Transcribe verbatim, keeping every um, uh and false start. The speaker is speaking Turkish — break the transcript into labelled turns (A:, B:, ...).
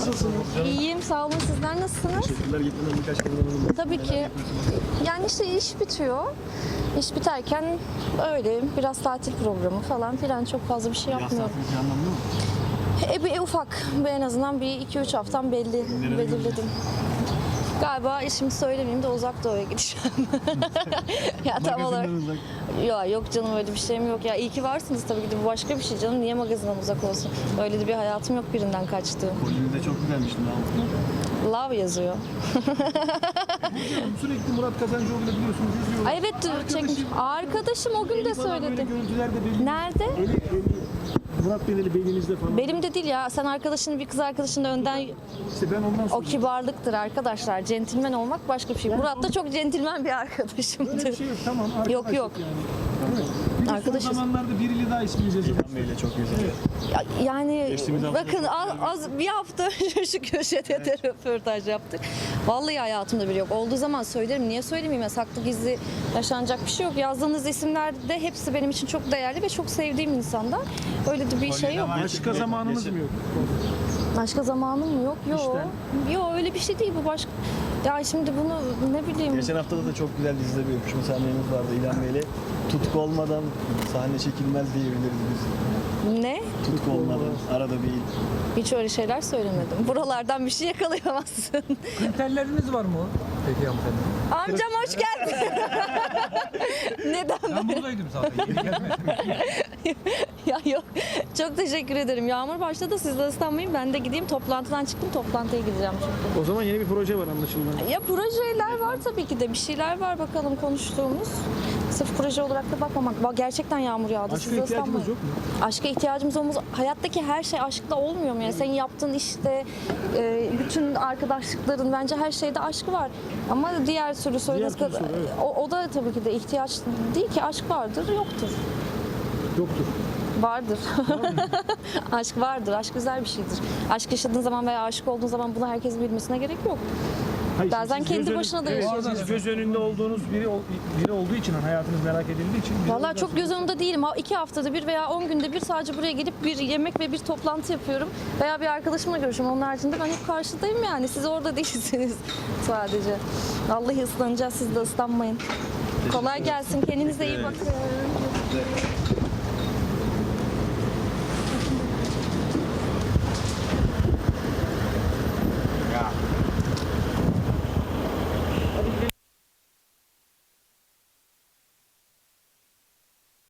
A: Nasılsınız?
B: İyiyim, sağ olun. Sizler nasılsınız?
A: Teşekkürler. Getiren birkaç kazanalım.
B: Tabii ki. Yani işte iş bitiyor. İş biterken öyle biraz tatil programı falan filan, çok fazla bir şey
A: Yaz
B: yapmıyorum.
A: tatili planlandı mı?
B: E, bir, ufak, bir en azından bir iki üç haftam belli,
A: Nereye
B: belirledim. Galiba şimdi söylemeyeyim de Uzak Doğu'ya gideceğim. Ya tam olarak.
A: Magazinden uzak.
B: Ya yok canım, öyle bir şeyim yok. Ya iyi ki varsınız tabii ki de, bu başka bir şey canım. Niye magazinden uzak olsun? Öyle de bir hayatım yok birinden kaçtığım.
A: Kolye de çok güzelmiş.
B: Love yazıyor.
A: Sürekli Murat Kazancıoğlu'yla biliyorsunuz izliyoruz.
B: Ay evet, çekmiş. Arkadaşım o gün de
A: Eli falan böyle
B: söyledi.
A: görüntüler de belli.
B: Nerede?
A: Eli, eli, Murat Bey'le belinizde falan.
B: Benim de değil ya. Sen arkadaşının bir kız arkadaşının önden...
A: İşte ben ondan
B: O
A: sonra.
B: kibarlıktır arkadaşlar. Centilmen olmak başka bir şey. Murat da çok centilmen bir
A: Öyle
B: arkadaşımdır.
A: bir şey yok. Tamam. Arkadaşlık
B: Yok, yok.
A: Yani. Evet. Bir de
B: Arkadaşız.
A: son zamanlarda biriyle daha isminiz yazıldı.
C: İlhan Bey'le çok güzel.
B: Ya- Yani
A: Geçtiğimiz hafta
B: bakın az, az bir hafta önce şu köşede de röportaj yaptık. Vallahi hayatımda biri yok. Olduğu zaman söylerim. Niye söylemeyeyim? Ya, saklı gizli yaşanacak bir şey yok. Yazdığınız isimler de hepsi benim için çok değerli ve çok sevdiğim insanlar. Öyle de bir şey yok.
A: Başka zamanınız mı yok?
B: Başka zamanım mı yok? Yok.
A: İşten.
B: Yok, öyle bir şey değil bu, başka. Ya şimdi bunu ne bileyim.
C: Geçen haftada da çok güzel dizide bir öpüşme sahnemiz vardı İlhan Bey'le. Tutku olmadan sahne çekilmez diyebiliriz biz.
B: Ne?
C: Tutku olmadan arada bir
B: Hiç öyle şeyler söylemedim. Buralardan bir şey yakalayamazsın.
D: Kriterleriniz var mı? Peki hanımefendi.
B: Amcam hoş geldin. Neden
D: Ben buradaydım zaten. Geri gelmedim.
B: Ya yok. Çok teşekkür ederim. Yağmur başladı. Siz de ıslanmayın. Ben de gideyim. Toplantıdan çıktım. Toplantıya gideceğim çünkü.
A: O zaman yeni bir proje var anlaşılan.
B: Ya projeler var tabii ki de. Bir şeyler var bakalım konuştuğumuz. Sırf proje olarak da bakmamak. Bak, gerçekten yağmur yağdı.
A: Aşka
B: Siz de
A: ihtiyacımız
B: ıslanmayın.
A: yok mu?
B: Aşka ihtiyacımız olmaz. Hayattaki her şey aşkla olmuyor mu? Yani senin yaptığın işte, e, bütün arkadaşlıkların, bence her şeyde aşkı var. Ama diğer sürü söylediğiniz
A: türlü
B: kadar,
A: soru, evet.
B: o, o da tabii ki de ihtiyaç değil ki. Aşk vardır, yoktur.
A: Yoktur.
B: Vardır. Aşk vardır. Aşk güzel bir şeydir. Aşk yaşadığın zaman veya aşık olduğun zaman bunu herkesin bilmesine gerek yok.
A: Hayır,
B: Bazen
A: siz
B: kendi
A: göz
B: başına da
A: önü-
B: yaşıyorsunuz.
A: Evet, siz göz önünde olduğunuz biri ol- biri olduğu için, hani hayatınız merak edildiği için. biz
B: Vallahi
A: o
B: çok
A: yüzden-
B: göz önünde değilim. Ha, iki haftada bir veya on günde bir sadece buraya gelip bir yemek ve bir toplantı yapıyorum. Veya bir arkadaşımla görüşüyorum. Onun haricinde ben hep karşıdayım yani. Siz orada değilsiniz sadece. Vallahi ıslanacağız. Siz de ıslanmayın. Kolay gelsin. Kendinize iyi bakın.